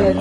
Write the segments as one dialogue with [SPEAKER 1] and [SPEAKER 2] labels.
[SPEAKER 1] Evet.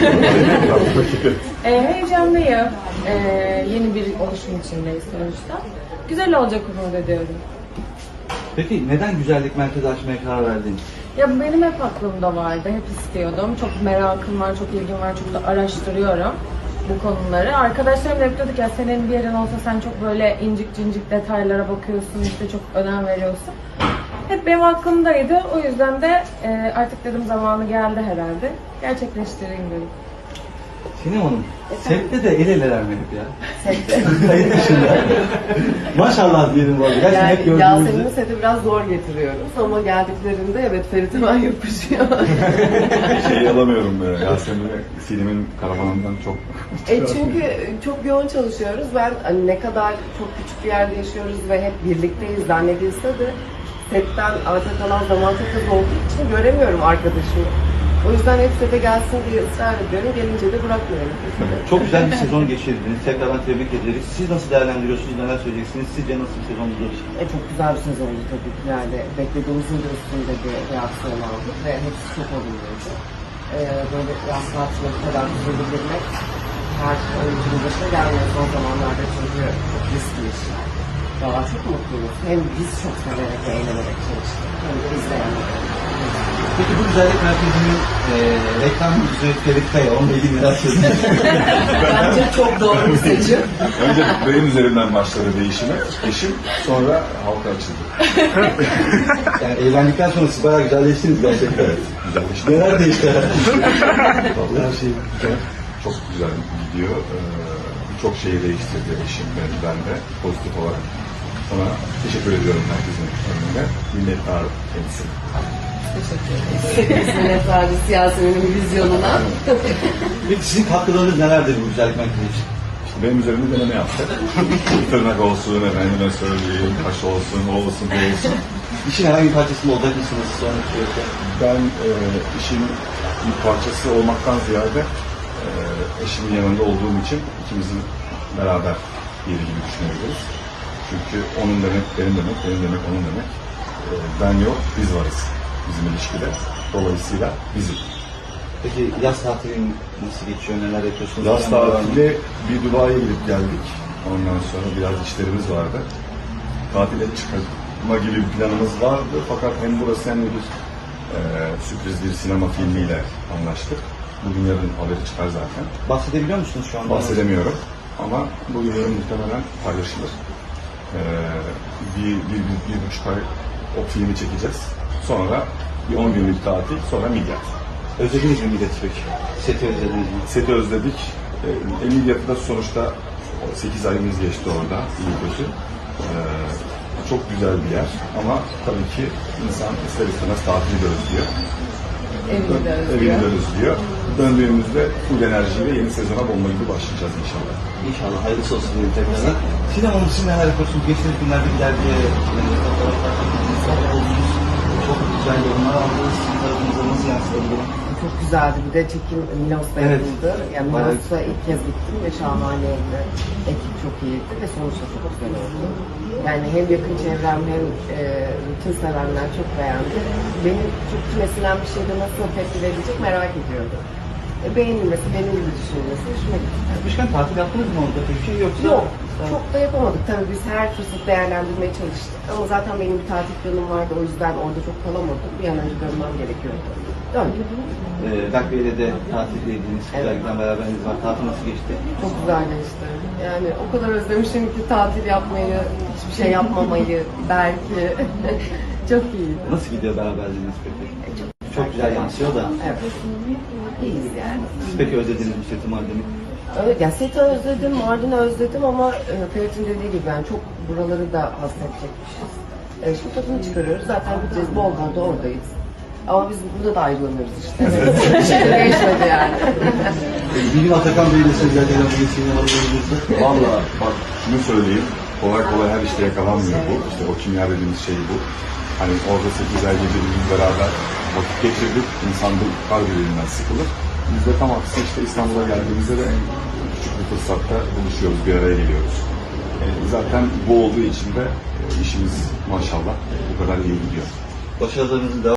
[SPEAKER 1] Heyecanlıyım. Yeni bir oluşum içindeyiz sonuçta. Güzel olacak umut ediyorum.
[SPEAKER 2] Peki neden güzellik merkezi açmaya karar verdin?
[SPEAKER 1] Ya bu benim hep aklımda vardı, hep istiyordum. Çok merakım var, çok ilgim var, çok da araştırıyorum bu konuları. Arkadaşlarım da hep diyorduk ya senin bir yerin olsa sen çok böyle incik cincik detaylara bakıyorsun, işte çok önem veriyorsun. Hep benim aklımdaydı. O yüzden de artık dedim zamanı geldi herhalde. Gerçekleştireyim dedim.
[SPEAKER 2] Sinem Hanım, sette de el eleler mi hep ya?
[SPEAKER 3] Sette.
[SPEAKER 2] Kayıt dışında. Maşallah diyelim bu arada. Gerçekten hep
[SPEAKER 3] Yani
[SPEAKER 2] gördüğümüzde.
[SPEAKER 3] Yasemin'i sete biraz zor getiriyoruz ama geldiklerinde evet Ferit hemen yapışıyor.
[SPEAKER 4] Şeyi alamıyorum böyle. Yasemin'i filmin karavanından çok...
[SPEAKER 3] Çünkü çok yoğun çalışıyoruz. Ben hani ne kadar çok küçük bir yerde yaşıyoruz ve hep birlikteyiz zannedilse de setten arta kalan zaman çok az olduğu için göremiyorum arkadaşımı. O yüzden hep sete gelsin diye ısrar ediyorum. Gelince de bırakmıyorum.
[SPEAKER 2] Çok güzel bir sezon geçirdiniz. Tekrardan tebrik ederiz. Siz nasıl değerlendiriyorsunuz? Neler söyleyeceksiniz? Sizce nasıl bir sezon olur?
[SPEAKER 3] Çok güzel bir sezondu tabii ki. Yani beklediğimizin de üstünde bir reaksiyon aldık ve hepsi çok olumluydu. Böyle yaz tatiline bu kadar güzel girmek her oyuncunun başına gelmiyor son zamanlarda çünkü çok riskli işler. Valla çok mutluyuz. Hem biz çok severek ve eğlenerek çalıştık. Hem de izleyenler.
[SPEAKER 2] Peki bu güzellik merkezinin reklam yüzü Ferit Kaya, onunla ilgili neler söyleyeceksiniz?
[SPEAKER 3] Bence çok doğru bir seçim.
[SPEAKER 4] Önce benim üzerimden başladı değişimi. Eşim, sonra halka açıldı.
[SPEAKER 2] Yani evlendikten sonra siz bayağı güzelleştiniz gerçekten.
[SPEAKER 4] Güzelleşti.
[SPEAKER 2] Neler değişti?
[SPEAKER 4] Vallahi her şey güzel. Çok güzel gidiyor. Birçok şeyi değiştirdi eşim ve ben de pozitif olarak. Ona teşekkür ediyorum herkesin önünde. Minnettar kendisi.
[SPEAKER 3] Teşekkür ederiz. Minnettarız Yasemin'in vizyonuna.
[SPEAKER 2] Peki sizin katkılarınız nelerdir bu güzellik merkezi için?
[SPEAKER 4] İşte benim üzerimde deneme yaptı. Tırnak olsun, efendime söyleyeyim, kaş olsun, o olsun, bu olsun.
[SPEAKER 2] İşin herhangi bir parçasında olacak mısınız sonraki süreçte?
[SPEAKER 4] Ben işin bir parçası olmaktan ziyade eşimin yanında olduğum için ikimizin beraber yeri gibi düşünebiliriz. Çünkü onun demek benim demek, benim demek onun demek. Ben yok, biz varız bizim ilişkide. Dolayısıyla bizim.
[SPEAKER 2] Peki yaz tatilin nasıl geçiyor, neler yapıyorsunuz?
[SPEAKER 4] Yaz tatili bir Dubai'ye gidip geldik. Ondan sonra biraz işlerimiz vardı. Tatile çıkma gibi bir planımız vardı. Fakat hem burası hem de bir sürpriz bir sinema filmiyle anlaştık. Bugün yarın haberi çıkar zaten.
[SPEAKER 2] Bahsedebiliyor musunuz şu anda?
[SPEAKER 4] Bahsedemiyorum ama bugün yarın muhtemelen paylaşılır. Bir buçuk ay o filmi çekeceğiz. Sonra bir 10 günlük tatil, sonra Midyat.
[SPEAKER 2] Özlediniz mi Midyat'ı peki? Seti özlediniz mi?
[SPEAKER 4] Seti özledik. Midyat'ta sonuçta 8 ayımız geçti orada, iyi kötü. Çok güzel bir yer ama tabii ki insan ister istemez tatili de özlüyor. Evini de özlüyor. Döndüğümüzde full enerjiyle yeni sezona bomba gibi başlayacağız inşallah.
[SPEAKER 2] İnşallah hayırlısı olsun diyelim tekrardan. Sinem Hanım siz neler yapıyorsunuz? Geçtiğimiz günlerde bir dergiye fotoğraflar oldunuz. Çok güzel yorumlar aldınız. Sizin tarafınıza nasıl yansıdı bu durum?
[SPEAKER 3] Çok güzeldi. Bir de çekim Minos'ta
[SPEAKER 2] Evet.
[SPEAKER 3] yapıldı. Yani Minos'ta ilk kez gittim ve şahaneydi. Ekip çok iyiydi ve sonuçta çok güzel oldu. Yani hem yakın çevrem hem bütün sevenler çok beğendi. Benim çok kümesilen bir şeyde nasıl tepki verecek merak ediyorum. Beğenilmesi, benim gibi düşünülmesi hoşuma gitti.
[SPEAKER 2] Yapmışken tatil yaptınız mı orada? Peki yoksa?
[SPEAKER 3] Yok, çok da yapamadık. Tabii biz her fırsatı değerlendirmeye çalıştık. Ama zaten benim bir tatil planım vardı. O yüzden orada çok kalamadım. Bir an önce dönmem gerekiyordu. Döndüm.
[SPEAKER 2] Berk Bey'le de tatildeydiniz. Güzellikten beraberiniz var. Tatil nasıl geçti?
[SPEAKER 3] Çok güzel geçti. Yani o kadar özlemişim ki tatil yapmayı, hiçbir şey yapmamayı belki. Çok iyi.
[SPEAKER 2] Nasıl gidiyor beraberliğiniz peki? Çok güzel yansıyor da.
[SPEAKER 3] Evet. İyiyiz yani.
[SPEAKER 2] Siz peki özlediniz mi seti Mardin'i?
[SPEAKER 3] Evet, ya seti özledim, Mardin'i özledim ama Ferit'in dediği gibi yani çok buraları da hasredecekmişiz. Şimdi tadını çıkarıyoruz. Zaten gideceğiz. Bol bol da oradayız. Ama biz burada da ayrılamıyoruz işte. Geçmedi yani.
[SPEAKER 2] Bir gün Atakan Bey'le sözlerden bir Sinem Hanım'la
[SPEAKER 4] Valla bak şunu söyleyeyim, kolay kolay her işte yakalanmıyor bu. İşte o kimya dediğimiz şey bu. Hani orada 8 ay birbirimiz beraber vakit geçirdik. İnsan bu kar birbirinden sıkılır. Biz de tam aksi işte İstanbul'a geldiğimizde de en küçük bir fırsatta buluşuyoruz, bir araya geliyoruz. Zaten bu olduğu için de işimiz maşallah bu kadar iyi gidiyor.
[SPEAKER 2] Başarılarınızın devam